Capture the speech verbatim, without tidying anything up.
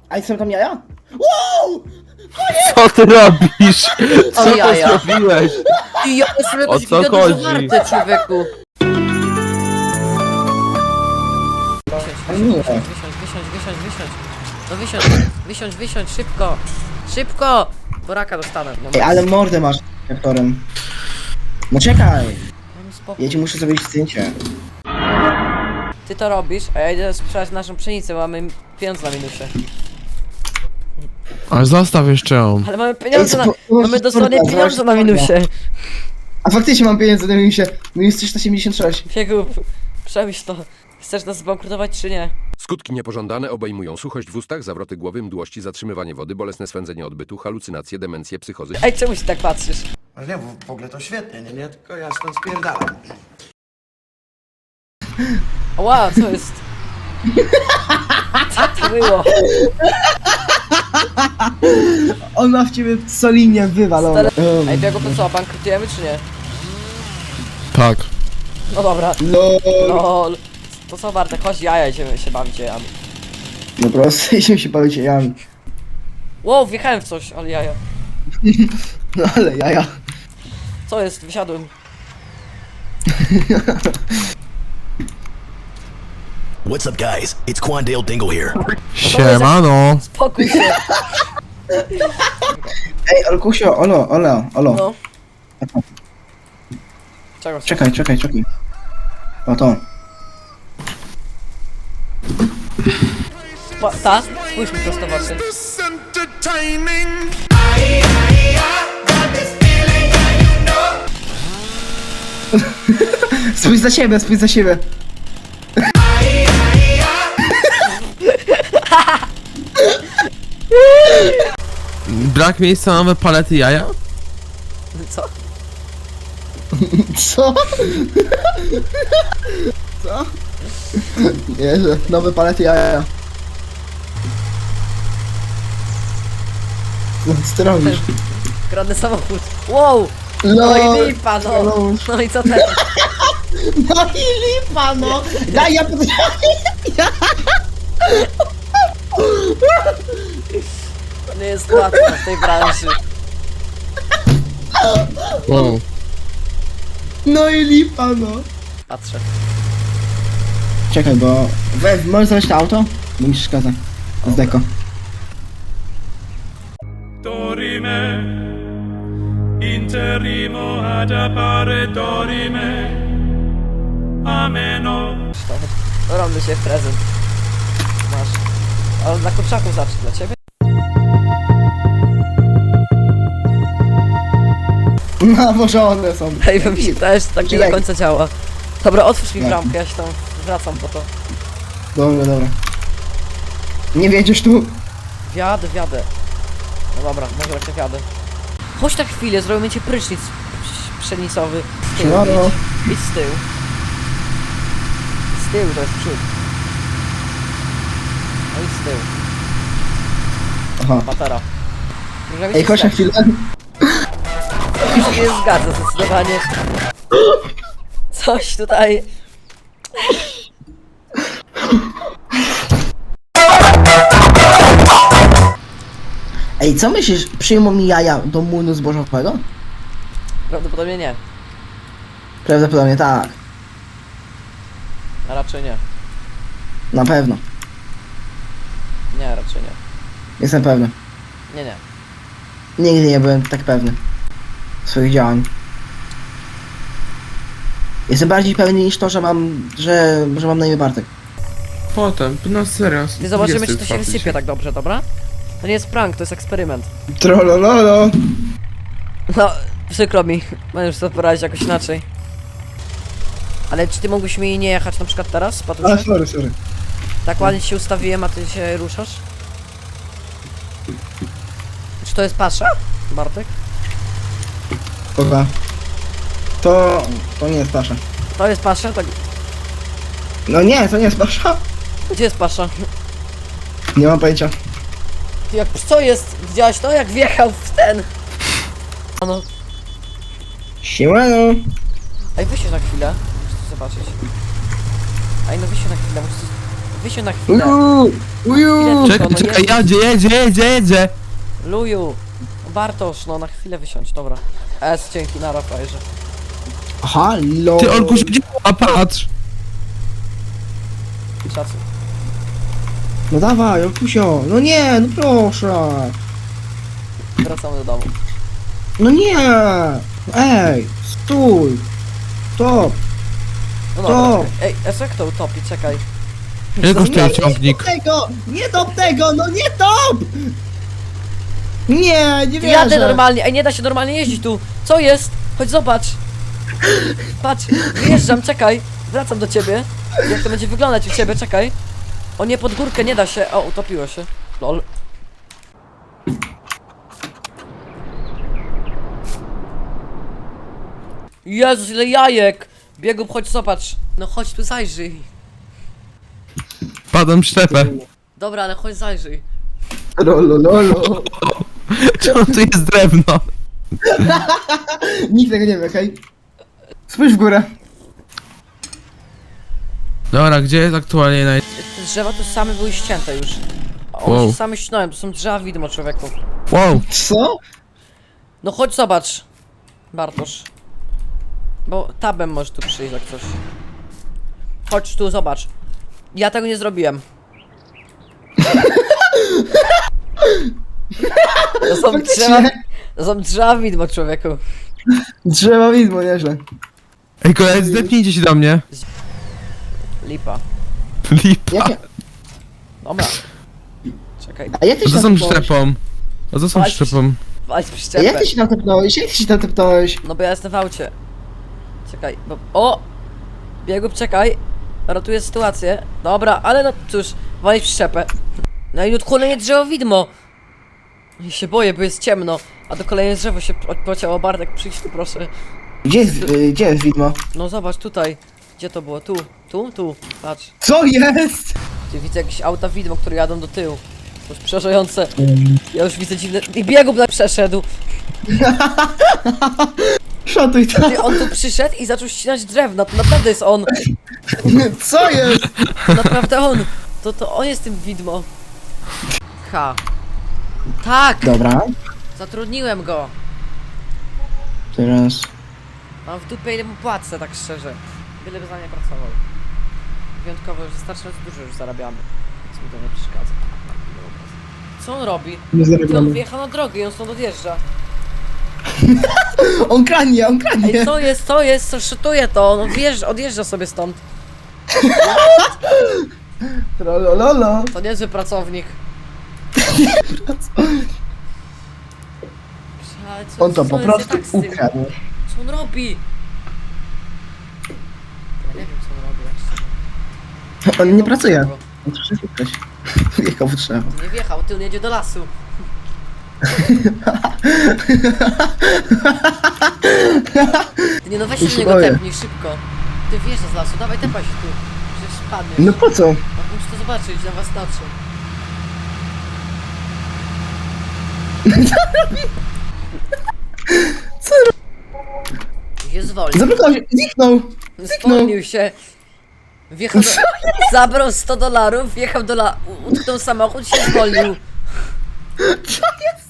A i są tam jaja? Wow! Co ty robisz? Co O ty jaja. zrobiłeś? I ja jestem jakoś O co giga dużo chodzi? warte, człowieku. Ale nie. Wysiądź, wysiądź, wysiądź, wysiądź. No wysiądź, wysiądź, wysiądź, szybko. Szybko! Bo raka dostanę. No, Ej, ale mordę masz aktorem. No czekaj! mam spokój. Ja ci muszę zrobić zdjęcie. Ty to robisz, a ja idę sprzedać naszą pszenicę, bo mamy pieniądze na minusie. Ale zostaw jeszcze ją. Ale mamy pieniądze na... Ej, spo- Mamy dosłownie spoko, pieniądze na spoko. minusie. A faktycznie mam pieniądze na minusie. Minus trzysta siedemdziesiąt sześć. Biegub, przemyśl to. Chcesz nas zbankrutować czy nie? Skutki niepożądane obejmują suchość w ustach, zawroty głowy, mdłości, zatrzymywanie wody, bolesne swędzenie odbytu, halucynacje, demencję, psychozy. Ej, czemu się tak patrzysz? Ale nie, w w ogóle to świetnie, nie, nie, tylko ja stąd spierdalam. Ła, co jest? Co to było? On ma w ciebie solidnie wywalone. Um, Ej, Biegub, to co, bankrutujemy czy nie? Tak. No dobra. No, Lol. To co, Bartek, chodź jaja, idziemy się bawić jajami. no prosto, idziemy się bawić jajami. Wow, wjechałem w coś, ale jaja. No ale jaja. Co jest? Wysiadłem. What's up, guys? It's Quandale Dingle here. Siemano. Spokój się. Ej, Olkusio, olo, olo, olo. No. Czego chcesz? Czekaj, czekaj, czekaj. O to. Pa, ta? Spójrz mi prosto w oczy. Spójrz za siebie, spójrz za siebie. Brak miejsca na nowe palety jaja? Co? Co? Co? Jezu, nowe palety jaja. Co ty robisz? Kradnę samochód. Wow! No, No i lipa, no. No i co teraz? no i lipa, no! Daj, ja pod... To nie jest łatwe w tej branży. Wow. No i lipa, no! Patrzę. Czekaj, bo... We, możesz znaleźć to auto? Bo mi przeszkadza. Z deko. Dorime, interimo ad appare dorime, ameno. No robię się prezent. Masz. Ale dla kurczaków zacznę, dla ciebie? Nawożone są. Ej, bo mi się też tak nie do Czekaj. końca działa. Dobra, otwórz mi Nie. bramkę, ja się tam wracam po to. Dobra, dobra. Nie wiedziesz tu? Wiadę, wiadę. No dobra, może jak wiadę. Chodź na chwilę, zrobimy ci prysznic psz- pszenicowy. Z tyłu, Siemano. idź. Idź z tyłu. Z tyłu, to jest przód. No idź z tyłu. Aha. Patera. Możemy Ej, się chodź na zgadzać. chwilę. Mi się nie zgadza zdecydowanie. Coś tutaj... Ej, co myślisz? Przyjmą mi jaja do młynu zbożowego? Prawdopodobnie nie. Prawdopodobnie tak. A raczej nie. Na pewno. Nie, raczej nie. Jestem pewny. Nie, nie. Nigdy nie byłem tak pewny swoich działań. Jestem bardziej pewny niż to, że mam, że, że mam na imię Bartek. Potem, no serio. Ty zobaczymy, czy to się wysypie tak dobrze, dobra? To nie jest prank, to jest eksperyment. Trollololo. No, przykro mi. Możesz sobie poradzić jakoś inaczej. Ale czy ty mógłbyś mi nie jechać na przykład teraz, A, Patusie? sorry, sorry. Tak ładnie ci się ustawiłem, a ty się ruszasz? Czy to jest pasza, Bartek? Dobra. To... to nie jest pasza. To jest pasza? Tak. No nie, to nie jest pasza. Gdzie jest pasza? Nie mam pojęcia. Ty jak, co jest? Widziałeś to? Jak wjechał w ten... No. Siemano. Ej, wysiądź na chwilę. Muszę zobaczyć. Ej, no wysiądź na chwilę, muszę... Wysiądź na chwilę. Uju! Uju! Chwilę Czekaj, tylko, no czekaj, nie- jedzie, jedzie, jedzie, jedzie. Luju. Bartosz, no na chwilę wysiądź, dobra. S, dzięki, na Rafajerze. Halo! Ty, Olku, się a patrz. Szacun. No dawaj, Olkusio! No nie, no proszę! Wracamy do domu. No nie! Ej! Stój! Stop! No To. dobra, czekaj. Ej, S jak to utopi, czekaj. Ile kosztuje ciągnik? Nie top tego! Nie top tego! No nie top! Nie, nie wierzę! Jadę normalnie, ej, nie da się normalnie jeździć tu. Co jest? Chodź zobacz. Patrz, wyjeżdżam, czekaj. Wracam do ciebie. Jak to będzie wyglądać u ciebie, czekaj. O nie, pod górkę nie da się. O, utopiło się. Lol. Jezus, ile jajek! Biegub, chodź zobacz. No chodź tu zajrzyj. Padam w szczepę. Dobra, ale chodź zajrzyj. Rolo, lolo. Czemu tu jest drewno? Nikt tego nie wie, hej? Spójrz w górę. Dobra, gdzie jest aktualnie naj... Te drzewa tu same były ścięte już. A one Wow. się same ścinałem, to są drzewa widmo, człowieku. Wow. Co? No chodź zobacz, Bartosz. Bo tabem możesz tu przyjść jak coś. Chodź tu, zobacz. Ja tego nie zrobiłem. To są drzewa, to są drzewa widmo, człowieku. Drzewa widmo, nieźle. Ej, koledzy, zdepnijcie się do mnie. Lipa. Lipa. Jakie? Dobra. Czekaj, A jak ty A się co tam są tepnąłeś? szczepą? A co są Patrz. szczepą? walić A jak przyczepę. ty się tam tepnąłeś? Jak ty się tam tepnąłeś? No bo ja jestem w aucie. Czekaj, bo... O! Biegub, czekaj. Ratuję sytuację. Dobra, ale no cóż, walić przyczepę. No i tu kolejne drzewo widmo. Ja się boję, bo jest ciemno. A do kolejne drzewo się po- pociało. Bartek, przyjdź tu proszę. Gdzie jest, y, gdzie jest widmo? No zobacz tutaj. Gdzie to było? Tu, tu, tu. Patrz. Co jest? Tu widzę jakieś auta widmo, które jadą do tyłu. To jest przerażające. Ja już widzę dziwne... I biegub na przeszedł. Szatuj to. Ty, on tu przyszedł i zaczął ścinać drewno. To naprawdę jest on. Co jest? To naprawdę on. To, to on jest tym widmo. Ha. Tak! Dobra. Zatrudniłem go. Teraz... Mam w dupie ile mu płacę, tak szczerze. Byleby za mnie pracował. Wyjątkowo już wystarczająco dużo już zarabiamy. Więc mi to nie przeszkadza. Co on robi? Nie Ty, on zarabiamy. wjechał na drogę i on stąd odjeżdża. On kradnie, on kradnie. Ej, co jest, co jest, co szytuje to? On odjeżdża, odjeżdża sobie stąd. Trolololo. To niezły pracownik. Ale co- On to co po jest nie prostu tak z tym? ukradł. Co on robi? Ja nie wiem co on robi. jak się- On nie pracuje. Drzewo. On przyszedł ktoś. Wjechał w drzewo. Nie wjechał, ty on jedzie do lasu. Ty nie no weź się Ja do się niego boję. tepnij szybko. Ty wjeżdża z lasu, dawaj tepaj się tu. Przecież spadniesz. No po co? No muszę to zobaczyć na was oczy. Co Się zwolnił. Zablokował się, zniknął. Zwolnił się. Wjechał do... Zabrał sto dolarów, wjechał do la... u- utknął samochód, się zwolnił. Co jest?